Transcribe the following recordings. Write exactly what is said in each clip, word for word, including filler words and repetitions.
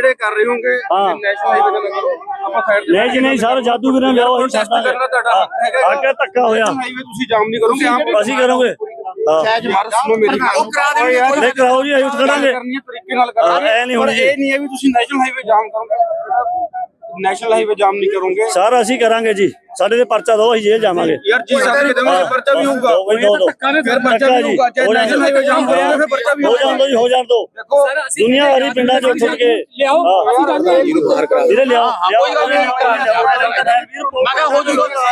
ਜਿਹੜੇ ਕਰ ਰਹੇ ਹੋਗੇ ਨੈਸ਼ਨਲ ਹਾਈਵੇ ਦਾ ਕਰੋ ਆਪਾਂ ਸਾਈਡ ਨਹੀਂ ਜੀ ਨਹੀਂ ਸਰ ਜਾਦੂਗਰਾਂ ਲਿਆਓ ਅਸੀਂ ਟੈਸਟ ਕਰਨਾ ਤੁਹਾਡਾ ਹੱਕ ਹੈਗਾ ਅੱਗੇ ਧੱਕਾ ਹੋਇਆ ਹਾਈਵੇ ਤੁਸੀਂ ਜਾਮ ਨਹੀਂ ਕਰੋਗੇ ਆਪ ਅਸੀਂ ਕਰੋਗੇ ਯਾਰ ਸੁਣੋ ਮੇਰੀ ਗੱਲ ਉਹ ਕਰਾ ਦੇਣਗੇ ਯਾਰ ਨਹੀਂ ਕਰਾਓ ਜੀ ਅਸੀਂ ਖੜਾਂਗੇ ਤਰੀਕੇ ਨਾਲ ਕਰਾਂਗੇ ਇਹ ਨਹੀਂ ਪਰ ਹੋਣੀ ਇਹ ਨਹੀਂ ਹੈ ਵੀ ਤੁਸੀਂ ਨੈਸ਼ਨਲ ਹਾਈਵੇ ਜਾਮ ਕਰੋਗੇ ਨੈਸ਼ਨਲ ਹਾਈਵੇ ਜਾਮ ਨਹੀਂ ਕਰੋਗੇ ਸਰ ਅਸੀਂ ਕਰਾਂਗੇ ਜੀ ਸਾਡੇ ਤੇ ਪਰਚਾ ਦੋ ਅਸੀਂ ਜੇਲ੍ਹ ਜਾਵਾਂਗੇ ਯਾਰ ਜੀ ਸਾਡੇ ਦੇਵਾਂਗੇ ਪਰਚਾ ਵੀ ਹੋਊਗਾ ਫਿਰ ਪਰਚਾ ਵੀ ਹੋਊਗਾ ਚਾਹੇ ਨੈਸ਼ਨਲ ਹਾਈਵੇ ਜਾਮ ਕਰੋਗੇ ਫਿਰ ਪਰਚਾ ਵੀ ਹੋ ਜਾਣ ਦੋ ਜੀ ਹੋ ਜਾਣ ਦੋ ਦੁਨੀਆ ਭਰੀ ਪਿੰਡਾਂ ਚੋਂ ਉੱਠ ਕੇ ਲਿਆਓ ਵੀਰੇ ਲਿਆਓ ਕੋਈ ਗੱਲ ਨਹੀਂ ਮੈਂ ਕਿਹਾ ਹੋ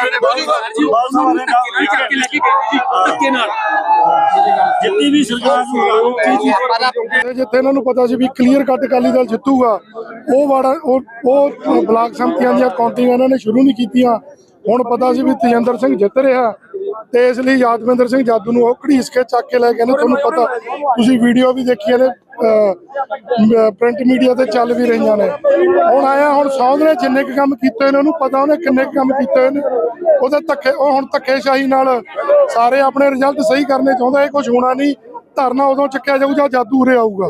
ਜੂਗਾ ਜਿੱਤੀ ਵੀ ਸਰਕਾਰ ਨੂੰ ਜਿੱਥੇ ਇਹਨਾਂ ਨੂੰ ਪਤਾ ਸੀ ਵੀ ਕਲੀਅਰ ਕੱਟ ਅਕਾਲੀ ਦਲ ਜਿੱਤੂਗਾ ਉਹ ਵਾੜਾ ਉਹ ਉਹ ਬਲਾਕ ਸੰਮਤੀਆਂ ਦੀਆਂ ਕਾਊਂਟਿੰਗ ਇਹਨਾਂ ਨੇ ਸ਼ੁਰੂ ਨਹੀਂ ਕੀਤੀਆਂ। ਹੁਣ ਪਤਾ ਸੀ ਵੀ ਤੇਜਿੰਦਰ ਸਿੰਘ ਜਿੱਤ ਰਿਹਾ ਤੇ ਇਸ ਲਈ ਯਾਦਵਿੰਦਰ ਸਿੰਘ ਜਾਦੂ ਨੂੰ ਉਹ ਘੜੀਸ ਕੇ ਚੱਕ ਕੇ ਲੈ ਗਏ ਨੇ। ਤੁਹਾਨੂੰ ਪਤਾ ਤੁਸੀਂ ਵੀਡੀਓ ਵੀ ਦੇਖੀਆਂ ਨੇ ਪ੍ਰਿੰਟ ਮੀਡੀਆ ਤੇ ਚੱਲ ਵੀ ਰਹੀਆਂ ਨੇ। ਹੁਣ ਆਇਆ ਹੁਣ ਸੌਂਦ ਨੇ ਜਿੰਨੇ ਕੁ ਕੰਮ ਕੀਤੇ ਨੇ ਉਹਨੂੰ ਪਤਾ ਉਹਨੇ ਕਿੰਨੇ ਕੁ ਕੰਮ ਕੀਤੇ ਨੇ। ਉਹਦੇ ਧੱਕੇ ਉਹ ਹੁਣ ਧੱਕੇਸ਼ਾਹੀ ਨਾਲ ਸਾਰੇ ਆਪਣੇ ਰਿਜ਼ਲਟ ਸਹੀ ਕਰਨੇ ਚਾਹੁੰਦਾ। ਇਹ ਕੁਝ ਹੋਣਾ ਨਹੀਂ। ਧਰਨਾ ਉਦੋਂ ਚੱਕਿਆ ਜਾਊ ਜਾਂ ਜਾਦੂ ਉਰੇ ਆਊਗਾ।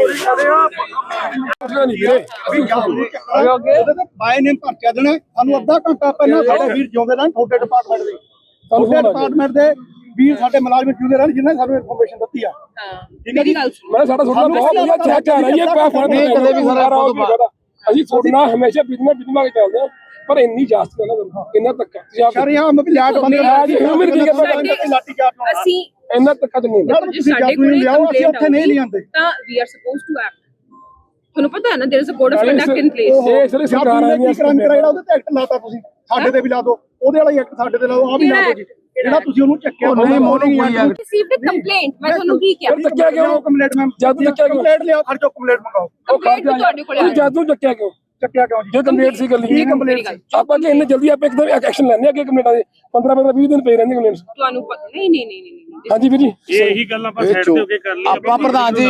ਬਾਈ ਨੇ ਪਰਚਾ ਦੇਣਾ ਸਾਨੂੰ ਅੱਧਾ ਘੰਟਾ ਪਹਿਲਾਂ ਸਾਡੇ ਵੀਰ ਜਿਉਂਦੇ ਰਹਿਣ ਤੁਹਾਡੇ ਡਿਪਾਰਟਮੈਂਟ ਦੇ ਤੁਹਾਡੇ ਡਿਪਾਰਟਮੈਂਟ ਦੇ ਵੀਰ ਸਾਡੇ ਮੁਲਾਜ਼ਮ ਜਿਉਂਦੇ ਰਹਿਣ ਜਿਨ੍ਹਾਂ ਸਾਨੂੰ ਇਨਫੋਰਮੇਸ਼ਨ ਦਿੱਤੀ ਆ। ਠੀਕ ਹੈ ਜੀ ਮੈਂ ਸਾਡਾ ਤੁਹਾਡਾ ਬਹੁਤ ਵਧੀਆ ਚੈੱਕ ਆ ਰਹੀ ਹੈ ਕੋਈ ਫਰਕ ਨਹੀਂ ਕਦੇ ਵੀ ਸਾਰਾ ਅਸੀਂ ਤੁਹਾਡੇ ਨਾਲ ਹਮੇਸ਼ਾ ਬਿਜਮਾ ਬਿਜਮਾ ਕੇ ਚੱਲਦੇ ਹਾਂ ਪਰ ਇੰਨੀ ਜਾਸਤ ਨਾ ਕਰੋ ਇੰਨਾ ਤੱਕ ਸਰ ਯਾਂ ਮੈਂ ਲੈਟ ਬੰਦ ਕਰਾ ਜੀ ਉਮਰ ਕੀ ਹੈ ਲਾਠੀ ਚਾਰਜ ਅਸੀਂ ਇੰਨਾ ਤੱਕ ਨਹੀਂ ਤੁਸੀਂ ਜਾਦੂ ਨੂੰ ਲਿਆਓ ਅਸੀਂ ਉੱਥੇ ਨਹੀਂ ਲਿਆਂਦੇ ਤਾਂ we are supposed to act. ਤੁਹਾਨੂੰ ਪਤਾ ਹੈ ਨਾ there is a code of conduct in place. ਇਹ ਸਾਰੇ ਸਰਕਾਰ ਆ ਕੀ ਕ੍ਰਾਈਮ ਕਰਾਇਆ ਉਹਦੇ ਤੇ ਐਕਟ ਲਾਤਾ ਤੁਸੀਂ ਸਾਡੇ ਤੇ ਵੀ ਲਾ ਦਿਓ ਉਹਦੇ ਵਾਲਾ ਐਕਟ ਸਾਡੇ ਤੇ ਲਾਓ ਆ ਵੀ ਲਾ ਦਿਓ ਜੀ ਜਿਹੜਾ ਤੁਸੀਂ ਉਹਨੂੰ ਚੱਕਿਆ ਨਹੀਂ ਮੋਰਨਿੰਗ ਹੋਈ ਹੈ ਰਿਸੀਵਡ ਅ ਕੰਪਲੇਂਟ ਮੈਂ ਤੁਹਾਨੂੰ ਕੀ ਕਿਹਾ ਚੱਕਿਆ ਕਿਉਂ ਕੰਪਲੇਂਟ ਮੈਮ ਜਾਦੂ ਚੱਕਿਆ ਕਿਉਂ ਕੰਪਲੇਂਟ ਲਿਆਓ ਖਰਚੋ ਕੰਪਲੇਂਟ ਮੰਗਾਓ ਉਹ ਖਾ ਤੁਹਾਡੇ ਕੋਲ ਕੇ ਜਾਦੂ ਚੱਕਿਆ ਕਿਉਂ ਚੱਕਿਆ ਕਿਉਂ ਜੀ ਜੋ ਕੰਪਲੇਂਟ ਸੀ ਗੱਲੀ ਇਹ ਕੰਪਲੇਂਟ ਆਪਾਂ ਕਿ ਇੰਨੇ ਜਲਦੀ ਆਪਾਂ ਇੱਕਦਮ ਐਕਸ਼ਨ ਲੈਣੇ ਅੱਗੇ ਕੰਪਲੇਂਟਾਂ ਦੇ ਪੰਦਰਾਂ ਪੰਦਰਾਂ ਵੀਹ ਦਿਨ ਪਏ ਰਹਿੰਦੇ ਕੰਪਲੇਂਟਸ ਤੁਹਾਨੂੰ ਨਹੀਂ ਨਹੀਂ ਨਹੀਂ ਨਹੀਂ ਹਾਂਜੀ ਵੀਰ ਜੀ ਇਹੀ ਗੱਲਾਂ ਆਪਾਂ ਸਾਈਡ ਤੇ ਹੋ ਕੇ ਕਰ ਲਈ ਆਪਾਂ ਪ੍ਰਧਾਨ ਜੀ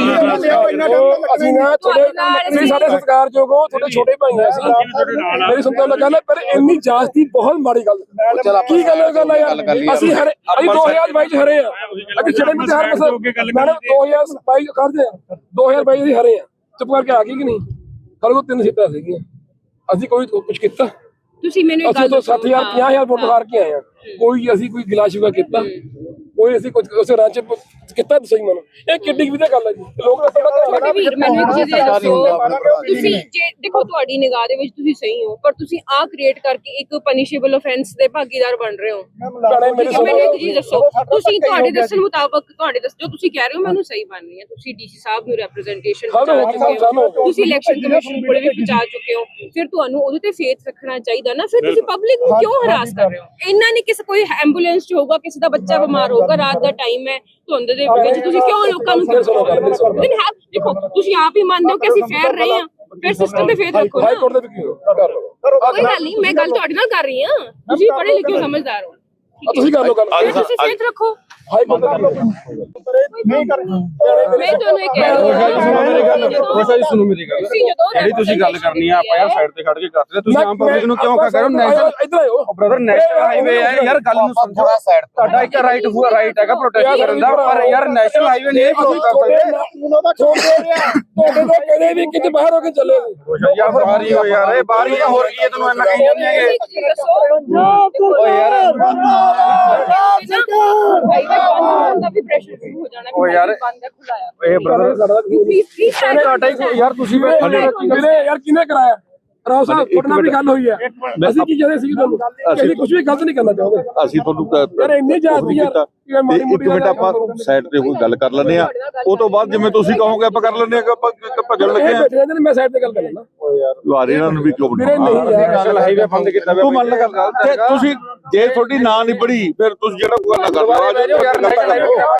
ਅਸੀਂ ਨਾ ਤੁਹਾਡੇ ਤੁਸੀਂ ਸਾਡੇ ਸਤਿਕਾਰਯੋਗ ਹੋ ਤੁਹਾਡੇ ਛੋਟੇ ਭਾਈ ਆ ਅਸੀਂ ਮੇਰੀ ਸੁਣਦਾ ਲੱਗਾ ਨਾ ਪਰ ਇੰਨੀ ਜਾਸਤੀ ਬਹੁਤ ਮਾੜੀ ਗੱਲ ਕੀ ਗੱਲ ਗੱਲ ਆ ਯਾਰ ਅਸੀਂ ਹਰੇ ਅਸੀਂ ਦੋ ਹਜ਼ਾਰ ਬਾਈ ਚ ਹਰੇ ਆ ਅਸੀਂ ਜਿਹੜੇ ਵੀ ਹਰ ਮਸਲ ਮੈਡਮ ਦੋ ਹਜ਼ਾਰ ਬਾਈ ਕਰਦੇ ਆ ਦੋ ਹਜ਼ਾਰ ਬਾਈ ਅਸੀਂ ਹਰੇ ਆ ਚੁੱਪ ਕਰਕੇ ਆ ਗਈ ਕਿ ਨਹੀਂ ਸਾਡੇ ਕੋਲ ਤਿੰਨ ਸੀਟਾਂ ਸੀਗੀਆਂ ਅਸੀਂ ਕੋਈ ਕੁਝ ਕੀਤਾ ਤੁਸੀਂ ਮੈਨੂੰ ਇੱਕ ਗੱਲ ਦੱਸੋ ਸੱਤ ਹਜ਼ਾਰ ਪੰਜਾਹ ਹਜ਼ਾਰ ਵੋਟ ਹਾਰ ਕੇ ਆਏ ਆ ਕੋਈ ਅਸੀਂ ਕੋਈ ਗਿਲਾ ਸ਼ਿਕਵਾ ਕੀਤਾ ਕੋਈ ਅਸੀਂ ਕੁਝ ਉਸੇ ਰਾਂਚ ਕੀਤਾ ਸਹੀ ਮਨ ਇਹ ਕਿੱਡੀ ਵੀ ਤਾਂ ਗੱਲ ਹੈ ਜੀ ਲੋਕ ਛੋਟੇ ਵੀਰ ਮੈਨੂੰ ਇੱਕ ਚੀਜ਼ ਦੱਸੋ ਤੁਸੀਂ ਜੇ ਦੇਖੋ ਤੁਹਾਡੀ ਨਿਗਾਹ ਦੇ ਵਿੱਚ ਤੁਸੀਂ ਸਹੀ ਹੋ ਪਰ ਤੁਸੀਂ ਆ ਕ੍ਰੀਏਟ ਕਰਕੇ ਇੱਕ ਪਨਿਸ਼ੇਬਲ ਆਫੈਂਸ ਦੇ ਭਾਗੀਦਾਰ ਬਣ ਰਹੇ ਹੋ। ਮੈਨੂੰ ਇੱਕ ਚੀਜ਼ ਦੱਸੋ ਤੁਸੀਂ ਤੁਹਾਡੇ ਦੱਸਣ ਮੁਤਾਬਕ ਤੁਹਾਡੇ ਦੱਸ ਜੋ ਤੁਸੀਂ ਕਹਿ ਰਹੇ ਹੋ ਮੈਨੂੰ ਸਹੀ ਬਣ ਰਹੀ ਹੈ ਤੁਸੀਂ ਡੀਸੀ ਸਾਹਿਬ ਨੂੰ ਰਿਪਰੈਜ਼ੈਂਟੇਸ਼ਨ ਪਹੁੰਚਾ ਚੁੱਕੇ ਹੋ ਤੁਸੀਂ ਇਲੈਕਸ਼ਨ ਕਮਿਸ਼ਨ ਕੋਲ ਵੀ ਪਹੁੰਚਾ ਚੁੱਕੇ ਹੋ ਫਿਰ ਤੁਹਾਨੂੰ ਉਹਦੇ ਤੇ ਫੇਥ ਰੱਖਣਾ ਚਾਹੀਦਾ ਨਾ ਫਿਰ ਤੁਸੀਂ ਪਬਲਿਕ ਨੂੰ ਕਿਉਂ ਹਰਾਸ ਕਰ ਰਹੇ ਹੋ। ਇੰਨਾ ਨਹੀਂ ਕਿਸੇ ਕੋਈ ਐਂਬੂਲੈਂਸ ਚ ਹੋਊਗਾ ਕਿਸੇ ਦਾ ਬੱਚਾ ਬਿਮਾਰ ਹੋਊਗਾ ਰਾਤ ਦਾ ਟਾਈਮ ਹੈ ਧੁੰਦ ਦੇ ਵਿੱਚ ਤੁਸੀਂ ਕਿਉਂ ਲੋਕਾਂ ਨੂੰ ਦੇਖੋ ਤੁਸੀਂ ਆਪ ਹੀ ਮੰਨਦੇ ਹੋ ਕਿ ਅਸੀਂ ਫੇਰ ਰਹੇ ਹਾਂ ਫਿਰ ਸਿਸਟਮ ਤੇ ਫੇਰ ਰੱਖੋ ਨਾ ਕੋਈ ਗੱਲ ਨਹੀਂ ਮੈਂ ਗੱਲ ਤੁਹਾਡੇ ਨਾਲ ਕਰ ਰਹੀ ਹਾਂ ਤੁਸੀਂ ਪੜ੍ਹੇ ਲਿਖੇ ਸਮਝਦਾਰ ਹੋ ਤੁਸੀਂ ਕਰ ਲਓ ਗੱਲ ਤੁਸੀਂ ਫੇਰ ਰੱਖੋ ਹਾਈ ਕੋਰਟ ਕਰ ਲਓ ਨਹੀਂ ਕਰਨਾ ਮੈਂ ਤੁਹਾਨੂੰ ਇਹ ਕਹਿ ਰਹੀ ਹਾਂ ਕੋਸ਼ਾ ਜੀ ਸੁਣੋ ਮੇਰੀ ਗੱਲ ਜਿਹੜੀ ਤੁਸੀਂ ਗੱਲ ਕਰਨੀ ਆ ਆਪਾਂ ਯਾਰ ਸਾਈਡ ਤੇ ਖੜ ਕੇ ਕਰਦੇ ਤੁਸੀਂ ਆਮ ਪਬਲਿਕ ਨੂੰ ਕਿਉਂ ਕਹ ਰਹੇ ਹੋ ਨੈਸ਼ਨਲ ਇੱਧਰ ਆਓ ਬ੍ਰਦਰ ਨੈਸ਼ਨਲ ਹਾਈਵੇ ਹੈ ਯਾਰ ਗੱਲ ਨੂੰ ਸਮਝੋ ਤੁਹਾਡਾ ਇੱਕ ਰਾਈਟ ਹੋਇਆ ਰਾਈਟ ਹੈਗਾ ਪ੍ਰੋਟੈਸਟ ਕਰਨ ਦਾ ਪਰ ਯਾਰ ਨੈਸ਼ਨਲ ਹਾਈਵੇ ਨਹੀਂ ਪ੍ਰੋਟੈਸਟ ਕਰ ਸਕਦੇ ਤੁਹਾਡੇ ਤੋਂ ਕਦੇ ਵੀ ਕਿਤੇ ਬਾਹਰ ਹੋ ਕੇ ਚੱਲੇ ਯਾਰ ਬਾਹਰ ਹੀ ਹੋ ਯਾਰ ਇਹ ਬਾਹਰ ਹੀ ਹੋਰ ਕੀ ਹੈ ਤੈਨੂੰ ਇੰਨਾ ਕਹੀ ਜਾਂਦੇ ਹੈਗੇ ਓ ਯਾਰ ਦਾ ਵੀ ਪ੍ਰੈਸ਼ਰ ਸ਼ੁਰੂ ਹੋ ਜਾਣਾ ਓ ਯਾਰ ਬੰਦ ਹੈ ਖੁੱਲਾਇਆ ਇਹ ਬ੍ਰਦਰ ਪਲੀਜ਼ ਪਲੀਜ਼ ਤੁਹਾਡਾ ਹੀ ਯਾਰ ਤੁਸੀਂ ਵੀਰੇ ਯਾਰ ਕਿਹਨੇ ਕਰਾਇਆ ਰਾਓ ਸਾਹਿਬ ਤੁਹਾਡੇ ਨਾਲ ਵੀ ਗੱਲ ਹੋਈ ਹੈ ਅਸੀਂ ਕੀ ਕਹਿੰਦੇ ਸੀ ਤੁਹਾਨੂੰ ਅਸੀਂ ਕੁਝ ਵੀ ਗਲਤ ਨਹੀਂ ਕਰਨਾ ਚਾਹੁੰਦੇ ਅਸੀਂ ਤੁਹਾਨੂੰ ਯਾਰ ਇੰਨੀ ਜਾਤੀ ਯਾਰ ਇੱਕ ਮਿੰਟ ਆਪਾਂ ਸਾਈਡ ਤੇ ਕੋਈ ਗੱਲ ਕਰ ਲੈਂਦੇ ਆ ਉਹ ਤੋਂ ਬਾਅਦ ਜਿਵੇਂ ਤੁਸੀਂ ਕਹੋਗੇ ਆਪਾਂ ਕਰ ਲੈਂਦੇ ਆ ਆਪਾਂ ਭੱਜਣ ਲੱਗੇ ਆ ਮੈਂ ਸਾਈਡ ਤੇ ਗੱਲ ਕਰ ਲੈਣਾ ਲੁਹਾਰੇ ਇਹਨਾਂ ਨੂੰ ਵੀ ਕਿਉਂ ਵੀਰੇ ਨਹੀਂ ਨੈਸ਼ਨਲ ਹਾਈਵੇ ਬੰਦ ਕੀਤਾ ਤੂੰ ਮੰਨ ਲੈ ਗੱਲ ਤੁਸੀਂ ਜੇ ਤੁਹਾਡੀ ਨਾਂ ਨਹੀਂ ਪੜੀ ਫਿਰ ਤੁਸੀਂ ਜਿਹੜਾ ਕੋਈ ਗੱਲ ਕਰਨਾ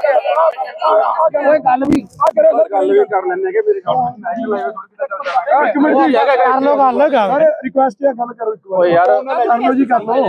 ਓਏ ਗੱਲ ਵੀ ਆ ਕਰਿਓ ਸਰ ਗੱਲ ਵੀ ਕਰ ਲੈਣੇ ਕਿ ਮੇਰੇ ਕੋਲ ਨੈਸ਼ਨਲ ਹਾਈਵੇ ਇੱਕ ਮਿੰਟ ਜੀ ਕਰ ਲਓ ਗੱਲ ਕਰ ਰਿਕੁਐਸਟ ਹੈ ਗੱਲ ਕਰੋ ਇੱਕ ਵਾਰ ਓ ਯਾਰ ਕਰ ਲਓ ਜੀ ਕਰ ਲਓ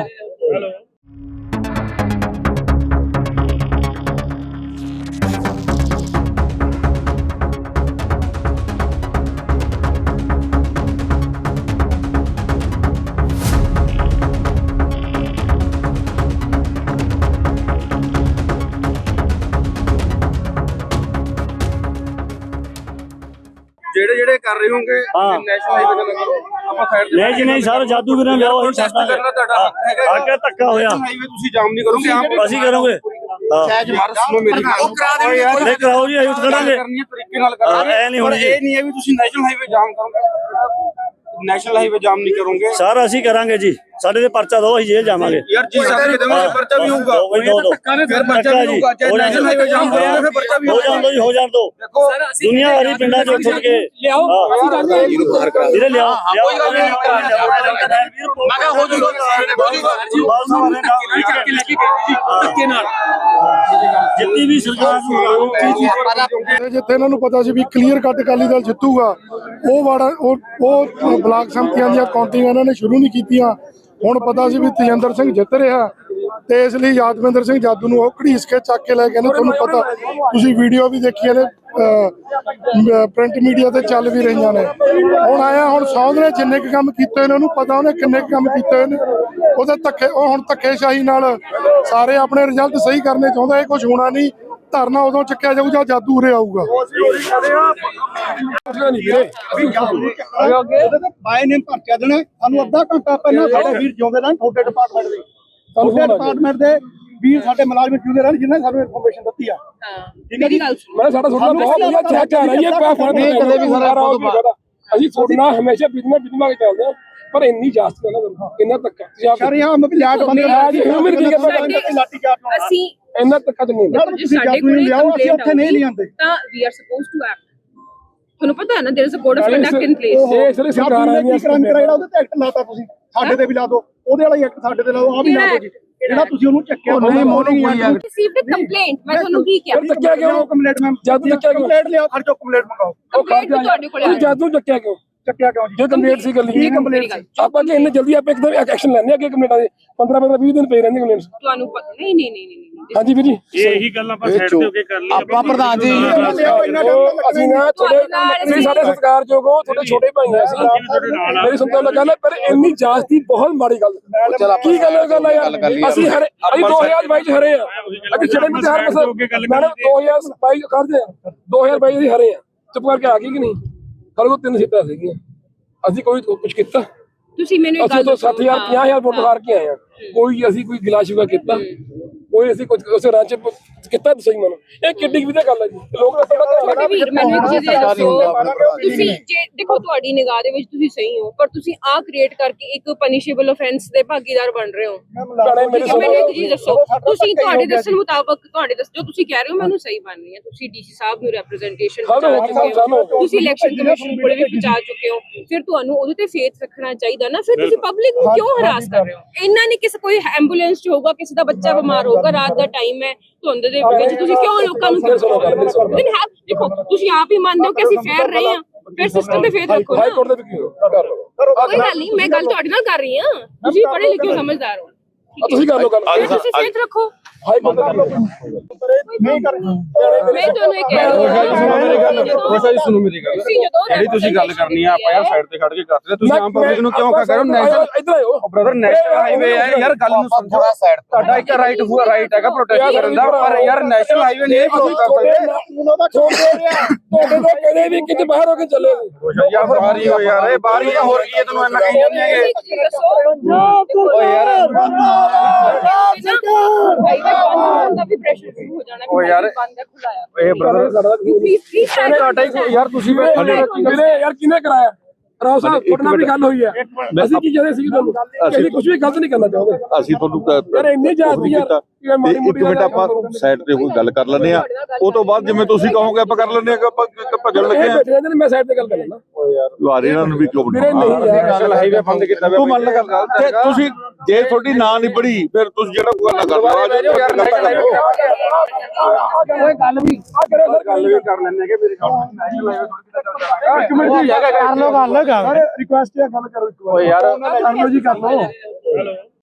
ਜਿਹੜੇ ਜਿਹੜੇ ਕਰ ਰਹੇ ਹੋਗੇ ਹਾਂ। ਨੈਸ਼ਨਲ ਹਾਈਵੇ ਦਾ ਕਰੋ ਆਪਾਂ ਸਾਈਡ ਨਹੀਂ ਜੀ ਨਹੀਂ ਸਰ ਜਾਦੂ ਵੀਰਾਂ ਲਿਆਓ ਅਸੀਂ ਟੈਸਟ ਛੱਡਾਂਗੇ ਕਰਨਾ ਤੁਹਾਡਾ ਹੱਕ ਹੈਗਾ ਆ ਕੇ ਧੱਕਾ ਹੋਇਆ ਹਾਈਵੇ ਤੁਸੀਂ ਜਾਮ ਨਹੀਂ ਕਰੋਗੇ ਆਪ ਅਸੀਂ ਕਰੋਗੇ ਹਾਂ ਮਾਰ ਸੁਣੋ ਮੇਰੀ ਗੱਲ ਨਹੀਂ ਕਰਾਓ ਜੀ ਅਸੀਂ ਖੜਾਂਗੇ ਕਰਨੀ ਹੈ ਤਰੀਕੇ ਨਾਲ ਕਰਾਂਗੇ ਐ ਨਹੀਂ ਹੋਣੀ ਜੀ। ਇਹ ਨਹੀਂ ਹੈ ਵੀ ਤੁਸੀਂ ਨੈਸ਼ਨਲ ਹਾਈਵੇ ਜਾਮ ਕਰੋਗੇ ਨੈਸ਼ਨਲ ਹਾਈਵੇ ਜਾਮ ਨਹੀਂ ਕਰੋਗੇ ਸਰ ਅਸੀਂ ਕਰਾਂਗੇ ਜੀ ਸਾਡੇ ਤੇ ਪਰਚਾ ਦੋ ਅਸੀਂ ਜੇਲ੍ਹ ਜਾਵਾਂਗੇ ਯਾਰ ਜੀ ਸਾਡੇ ਦੇਵਾਂਗੇ ਪਰਚਾ ਵੀ ਹੋਊਗਾ ਦੋ ਦੋ ਦੋ ਫਿਰ ਪਰਚਾ ਵੀ ਹੋਊਗਾ ਜੇ ਨੈਸ਼ਨਲ ਹਾਈਵੇ ਜਾਮ ਕਰੋਗੇ ਫਿਰ ਪਰਚਾ ਵੀ ਹੋ ਜਾਣ ਦੋ ਜੀ ਹੋ ਜਾਣ ਦੋ ਦੇਖੋ ਦੁਨੀਆ ਵਾਲੀ ਪਿੰਡਾਂ ਚੋਂ ਉੱਠ ਕੇ ਲਿਆਓ ਅਸੀਂ ਜਾਂਦੇ ਹਾਂ ਜੀ ਵੀਰੇ ਲਿਆਓ ਕੋਈ ਗੱਲ ਨਹੀਂ ਮੈਂ ਕਿਹਾ ਹੋ ਜੂਗਾ ਚੱਕ ਕੇ ਲੈ ਕੇ ਗਏ ਜੀ ਧੱਕੇ ਨਾਲ ਜਿੰਨੀ ਵੀ ਸਰਕਾਰ ਨੂੰ ਤੇ ਜਿੱਥੇ ਇਹਨਾਂ ਨੂੰ ਪਤਾ ਸੀ ਵੀ ਕਲੀਅਰ ਕੱਟ ਅਕਾਲੀ ਦਲ ਜਿੱਤੂਗਾ ਉਹ ਵਾੜਾ ਉਹ ਉਹ ਬਲਾਕ ਸੰਮਤੀਆਂ ਦੀਆਂ ਕਾਊਂਟਿੰਗ ਇਹਨਾਂ ਨੇ ਸ਼ੁਰੂ ਨਹੀਂ ਕੀਤੀਆਂ। ਹੁਣ ਪਤਾ ਸੀ ਵੀ ਤੇਜਿੰਦਰ ਸਿੰਘ ਜਿੱਤ ਰਿਹਾ ਤੇ ਇਸ ਲਈ ਯਾਦਵਿੰਦਰ ਸਿੰਘ ਜਾਦੂ ਨੂੰ ਉਹ ਘੜੀਸ ਕੇ ਚੱਕ ਕੇ ਲੈ ਗਏ ਨੇ। ਤੁਹਾਨੂੰ ਪਤਾ ਤੁਸੀਂ ਵੀਡੀਓ ਵੀ ਦੇਖੀਆਂ ਨੇ ਪ੍ਰਿੰਟ ਮੀਡੀਆ ਤੇ ਚੱਲ ਵੀ ਰਹੀਆਂ ਨੇ। ਹੁਣ ਆਇਆ ਹੁਣ ਸੌਂਦ ਨੇ ਜਿੰਨੇ ਕੁ ਕੰਮ ਕੀਤੇ ਇਹਨਾਂ ਨੂੰ ਪਤਾ ਉਹਨੇ ਕਿੰਨੇ ਕੁ ਕੰਮ ਕੀਤੇ ਨੇ। ਉਹਦੇ ਧੱਕੇ ਉਹ ਹੁਣ ਧੱਕੇਸ਼ਾਹੀ ਨਾਲ ਸਾਰੇ ਆਪਣੇ ਰਿਜ਼ਲਟ ਸਹੀ ਕਰਨੇ ਚਾਹੁੰਦਾ। ਇਹ ਕੁਝ ਹੋਣਾ ਨਹੀਂ। ਧਰਨਾ ਉਦੋਂ ਚੱਕਿਆ ਜਾਊ ਜਾਂ ਜਾਦੂ ਉਰੇ ਆਊਗਾ। ਬਾਏ ਨੇਮ ਭਰਚਾ ਦੇਣਾ ਸਾਨੂੰ ਅੱਧਾ ਘੰਟਾ ਪਹਿਲਾਂ ਸਾਡੇ ਵੀਰ ਜਿਉਂਦੇ ਰਹਿਣ ਤੁਹਾਡੇ ਡਿਪਾਰਟਮੈਂਟ ਦੇ ਤੁਹਾਡੇ ਡਿਪਾਰਟਮੈਂਟ ਦੇ ਵੀਰ ਸਾਡੇ ਮੁਲਾਜ਼ਮ ਜਿਉਂਦੇ ਰਹਿਣ ਜਿਨ੍ਹਾਂ ਸਾਨੂੰ ਇਨਫੋਰਮੇਸ਼ਨ ਦਿੱਤੀ ਆ। ਹਾਂ ਮੇਰੀ ਗੱਲ ਸੁਣੋ ਮੈਂ ਸਾਡਾ ਤੁਹਾਡਾ ਬਹੁਤ ਵਧੀਆ ਚੈੱਕ ਆ ਰਹੀ ਹੈ ਪਾ ਫੜ ਕਦੇ ਵੀ ਸਾਰਾ ਅਸੀਂ ਤੁਹਾਡਾ ਹਮੇਸ਼ਾ ਬਿਜਨਸ ਬਿਜਨਸ ਕੇ ਚੱਲਦੇ ਹਾਂ ਪਰ ਇੰਨੀ ਜਾਸਤ ਨਾ ਕਰੋ ਇੰਨਾ ਤੱਕ ਤੁਸੀਂ ਆਪ ਸ਼ਰਿਆਮ ਲਾਟ ਬੰਦੇ ਲਾਠੀ ਚਾਰਜ ਹੋਣਾ ਅਸੀਂ ਇੰਨਾ ਤੱਕ ਨਹੀਂ ਹੁੰਦਾ ਯਾਰ ਤੁਸੀਂ ਜਾਦੂ ਨਹੀਂ ਲਿਆਓ ਅਸੀਂ ਉੱਥੇ ਨਹੀਂ ਲਿਆਂਦੇ ਤਾਂ we are supposed to act ਤੁਹਾਨੂੰ ਪਤਾ ਹੈ ਨਾ there is a code of conduct in place ਇਹ ਇਸ ਲਈ ਸਰਕਾਰ ਆ ਰਹੀ ਹੈ ਕ੍ਰਾਈਮ ਕਰਾਇਆ ਉਹਦੇ ਤੇ ਐਕਟ ਲਾਤਾ ਤੁਸੀਂ ਸਾਡੇ ਤੇ ਵੀ ਲਾ ਦਿਓ ਉਹਦੇ ਵਾਲਾ ਐਕਟ ਸਾਡੇ ਤੇ ਲਾਓ ਆ ਵੀ ਲਾ ਦਿਓ ਜੀ ਜਿਹੜਾ ਤੁਸੀਂ ਉਹਨੂੰ ਚੱਕਿਆ ਨਹੀਂ ਮੋਰਨਿੰਗ ਰਿਸੀਵਡ ਅ ਕੰਪਲੇਂਟ ਮੈਂ ਤੁਹਾਨੂੰ ਕੀ ਕਿਹਾ ਚੱਕਿਆ ਕਿਉਂ ਕੰਪਲੇਂਟ ਮੈਮ ਜਾਦੂ ਚੱਕਿਆ ਕਿਉਂ ਕੰਪਲੇਂਟ ਲਿਆਓ ਖਰਚੋ ਕੰਪਲੇਂਟ ਮੰਗਾਓ ਕੰਪਲੇਂਟ ਤੁਹਾਡੇ ਕੋਲ ਤੁਸੀਂ ਜਾਦੂ ਚੱਕਿਆ ਕਿਉਂ ਚੱਕਿਆ ਕਿਉਂ ਜੀ ਜੇ ਕੰਪਲੇਂਟ ਸੀ ਗੱਲ ਕੀ ਕੰਪਲੇਂਟ ਸੀ ਆਪਾਂ ਕਿ ਇੰਨੇ ਜਲਦੀ ਆਪਾਂ ਇੱਕਦਮ ਐਕਸ਼ਨ ਲੈਣੇ ਅੱਗੇ ਕੰਪਲੇਂਟਾਂ ਦੇ ਪੰਦਰਾਂ ਪੰਦਰਾਂ ਵੀਹ ਦਿਨ ਪਏ ਰਹਿੰਦੇ ਕੰਪਲੇਂਟਸ ਤੁਹਾਨੂੰ ਪਤਾ ਨਹੀਂ ਨਹੀਂ ਨਹੀਂ ਨਹੀਂ ਹਾਂਜੀ ਵੀਰ ਜੀ ਇਹੀ ਗੱਲ ਆਪਾਂ ਸਾਈਡ ਤੇ ਹੋ ਕੇ ਕਰ ਲਈ ਆਪਾਂ ਪ੍ਰਧਾਨ ਜੀ ਅਸੀਂ ਨਾ ਤੁਹਾਡੇ ਤੁਸੀਂ ਸਾਡੇ ਸਤਿਕਾਰਯੋਗ ਹੋ ਤੁਹਾਡੇ ਛੋਟੇ ਭਾਈ ਆ ਅਸੀਂ ਮੇਰੀ ਸੁਣਨ ਲੱਗਾ ਨਾ ਪਰ ਇੰਨੀ ਜਾਸਤੀ ਬਹੁਤ ਮਾੜੀ ਗੱਲ ਕੀ ਗੱਲ ਗੱਲ ਆ ਯਾਰ ਅਸੀਂ ਹਰੇ ਅਸੀਂ ਦੋ ਹਜ਼ਾਰ ਬਾਈ ਚ ਹਰੇ ਆ ਅੱਗੇ ਛੜੇ ਵਿੱਚ ਹਰ ਮਸਲ ਮੈਡਮ ਦੋ ਹਜ਼ਾਰ ਬਾਈ ਕਰਦੇ ਆ ਦੋ ਹਜ਼ਾਰ ਬਾਈ ਦੀ ਹਰੇ ਆ ਚੁੱਪ ਕਰਕੇ ਆ ਗਈ ਕਿ ਨਹੀਂ ਸਾਡੇ ਕੋਲ ਤਿੰਨ ਸੀਟਾਂ ਸੀਗੀਆਂ ਅਸੀਂ ਕੋਈ ਕੁਝ ਕੀਤਾ ਤੁਸੀਂ ਮੈਨੂੰ ਇੱਕ ਅਸੀਂ ਗੱਲ ਤੋਂ ਸੱਤ ਹਜ਼ਾਰ ਪੰਜਾਹ ਹਜ਼ਾਰ ਵੋਟ ਹਾਰ ਕੇ ਆਏ ਆ ਕੋਈ ਅਸੀਂ ਕੋਈ ਗਿਲਾ ਸ਼ਿਕਵਾ ਕੀਤਾ ਕੋਈ ਅਸੀਂ ਕੁਝ ਉਸ ਰਾਂਚ ਕੀਤਾ ਸਹੀ ਮਨ ਇਹ ਕਿੱਡੀ ਵੀ ਤਾਂ ਗੱਲ ਹੈ ਜੀ ਲੋਕ ਤਾਂ ਛੋਟੇ ਵੀਰ ਮੈਨੂੰ ਇੱਕ ਚੀਜ਼ ਇਹ ਦੱਸੋ ਤੁਸੀਂ ਜੇ ਦੇਖੋ ਤੁਹਾਡੀ ਨਿਗਾਹ ਦੇ ਵਿੱਚ ਤੁਸੀਂ ਸਹੀ ਹੋ ਪਰ ਤੁਸੀਂ ਆ ਕ੍ਰੀਏਟ ਕਰਕੇ ਇੱਕ ਪਨਿਸ਼ੇਬਲ ਆਫੈਂਸ ਦੇ ਭਾਗੀਦਾਰ ਬਣ ਰਹੇ ਹੋ ਮੈਨੂੰ ਇੱਕ ਚੀਜ਼ ਦੱਸੋ ਤੁਸੀਂ ਤੁਹਾਡੇ ਦੱਸਣ ਮੁਤਾਬਕ ਤੁਹਾਡੇ ਦੱਸ ਜੋ ਤੁਸੀਂ ਕਹਿ ਰਹੇ ਹੋ ਮੈਨੂੰ ਸਹੀ ਬਣ ਰਹੀ ਹੈ ਤੁਸੀਂ ਡੀਸੀ ਸਾਹਿਬ ਨੂੰ ਰਿਪਰੈਜ਼ੈਂਟੇਸ਼ਨ ਪਹੁੰਚਾ ਚੁੱਕੇ ਹੋ ਤੁਸੀਂ ਇਲੈਕਸ਼ਨ ਕਮਿਸ਼ਨ ਕੋਲ ਵੀ ਪਹੁੰਚਾ ਚੁੱਕੇ ਹੋ ਫਿਰ ਤੁਹਾਨੂੰ ਉਹਦੇ ਤੇ ਫੇਥ ਰੱਖਣਾ ਚਾਹੀਦਾ ਨਾ ਫਿਰ ਤੁਸੀਂ ਪਬਲਿਕ ਨੂੰ ਕਿਉਂ ਹਰਾਸ ਕਰ ਰਹੇ ਹੋ ਇਹਨਾਂ ਨੇ ਕਿਸੇ ਕੋਈ ਐਂਬੂਲੈਂਸ ਚ ਹੋਊਗਾ ਕਿਸੇ ਦਾ ਬੱਚਾ ਬਿਮਾਰ ਹੋਊਗਾ ਰਾਤ ਦਾ ਟਾਈਮ ਹੈ ਧੁੰਦ ਦੇ ਵਿੱਚ ਤੁਸੀਂ ਕਿਉਂ ਲੋਕਾਂ ਨੂੰ ਦੇਖੋ ਤੁਸੀਂ ਆਪ ਹੀ ਮੰਨਦੇ ਹੋ ਕਿ ਅਸੀਂ ਫੇਰ ਰਹੇ ਹਾਂ ਫਿਰ ਸਿਸਟਮ ਤੇ ਫੇਰ ਰੱਖੋ ਹਾਈ ਕੋਰਟ ਦੇ ਵੀ ਕਰ ਲਓ ਕੋਈ ਗੱਲ ਨਹੀਂ ਮੈਂ ਗੱਲ ਤੁਹਾਡੇ ਨਾਲ ਕਰ ਰਹੀ ਹਾਂ ਤੁਸੀਂ ਪੜ੍ਹੇ ਲਿਖੇ ਹੋ ਸਮਝਦਾਰ ਹੋ ਤੁਸੀਂ ਕਰ ਲਓ ਗੱਲ ਤੁਸੀਂ ਫੇਰ ਰੱਖੋ ਹਾਈ ਕੋਰਟ ਕਰ ਲਓ ਨਹੀਂ ਕਰਨਾ ਮੈਂ ਤੁਹਾਨੂੰ ਇਹ ਕਹਿ ਰਹੀ ਜੀ ਸੁਣੋ ਮੇਰੀ ਗੱਲ ਜਿਹੜੀ ਤੁਸੀਂ ਗੱਲ ਕਰਨੀ ਆ ਆਪਾਂ ਯਾਰ ਸਾਈਡ ਤੇ ਖੜ ਕੇ ਕਰਦੇ ਤੁਸੀਂ ਆਮ ਪਬਲਿਕ ਨੂੰ ਕਿਉਂ ਕਹ ਰਹੇ ਹੋ ਨੈਸ਼ਨਲ ਇੱਧਰ ਆਇਓ ਬ੍ਰਦਰ ਨੈਸ਼ਨਲ ਹਾਈਵੇ ਹੈ ਯਾਰ ਗੱਲ ਨੂੰ ਸਮਝੋ ਤੁਹਾਡਾ ਇੱਕ ਰਾਈਟ ਹੋਊਗਾ ਰਾਈਟ ਹੈਗਾ ਪ੍ਰੋਟੈਸਟ ਕਰਨ ਦਾ ਪਰ ਯਾਰ ਨੈਸ਼ਨਲ ਹਾਈਵੇ ਨਹੀਂ ਬਲੌਕ ਕਰ ਸਕਦੇ ਤੁਹਾਡੇ ਤੋਂ ਕਦੇ ਵੀ ਕਿਤੇ ਬਾਹਰ ਹੋ ਕੇ ਚੱਲੇ ਯਾਰ ਬਾਹਰ ਹੀ ਹੋ ਯਾਰ ਇਹ ਬਾਹਰ ਹੀ ਆ ਹੋਰ ਕੀ ਹੈ ਤੈਨੂੰ ਇੰਨਾ ਕਹੀ ਜਾਂਦੇ ਹੈਗੇ ਓ ਯਾਰ ਓ ਯਾਰ ਇਹ ਬ੍ਰਦਰ ਤੁਹਾਡਾ ਹੀ ਯਾਰ ਤੁਸੀਂ ਵੀਰੇ ਯਾਰ ਕਿਹਨੇ ਕਰਾਇਆ ਰਾਓ ਸਾਹਿਬ ਤੁਹਾਡੇ ਨਾਲ ਵੀ ਗੱਲ ਹੋਈ ਹੈ ਅਸੀਂ ਕੀ ਕਹਿੰਦੇ ਸੀ ਤੁਹਾਨੂੰ ਅਸੀਂ ਕੁਝ ਵੀ ਗਲਤ ਨਹੀਂ ਕਰਨਾ ਚਾਹੁੰਦੇ ਅਸੀਂ ਤੁਹਾਨੂੰ ਯਾਰ ਇੰਨੇ ਜਾਤੀ ਯਾਰ ਇੱਕ ਮਿੰਟ ਆਪਾਂ ਸਾਈਡ ਤੇ ਕੋਈ ਗੱਲ ਕਰ ਲੈਂਦੇ ਆ ਉਹ ਤੋਂ ਬਾਅਦ ਜਿਵੇਂ ਤੁਸੀਂ ਕਹੋਗੇ ਆਪਾਂ ਕਰ ਲੈਂਦੇ ਆ ਆਪਾਂ ਭੱਜਣ ਲੱਗੇ ਆ ਮੈਂ ਸਾਈਡ ਤੇ ਗੱਲ ਕਰ ਲੈਣਾ ਯਾਰ ਇਹਨਾਂ ਨੂੰ ਵੀ ਕਿਉਂ ਵੀਰੇ ਨਹੀਂ ਯਾਰ ਨੈਸ਼ਨਲ ਹਾਈਵੇ ਬੰਦ ਕੀਤਾ ਤੂੰ ਮੰਨ ਲੈ ਗੱਲ ਤੁਸੀਂ ਜੇ ਤੁਹਾਡੀ ਨਾਂ ਨਹੀਂ ਪੜੀ ਫਿਰ ਤੁਸੀਂ ਜਿਹੜਾ ਕੋਈ ਗੱਲ ਕਰ ਲਓ ਯਾਰ ਗੱਲ ਵੀ ਆ ਕਰੇ ਸਰ ਗੱਲ ਵੀ ਕਰ ਲੈਣੇ ਕਿ ਮੇਰੇ ਕੋਲ ਨੈਸ਼ਨਲ ਹਾਈਵੇ ਇੱਕ ਮਿੰਟ ਜੀ ਕਰ ਲਓ ਗੱਲ ਰਿਕੁਐਸਟ ਹੈ ਗੱਲ ਕਰੋ ਇੱਕ ਵਾਰ ਓ ਯਾਰ ਕਰ ਲਓ ਜੀ ਕਰ ਲਓ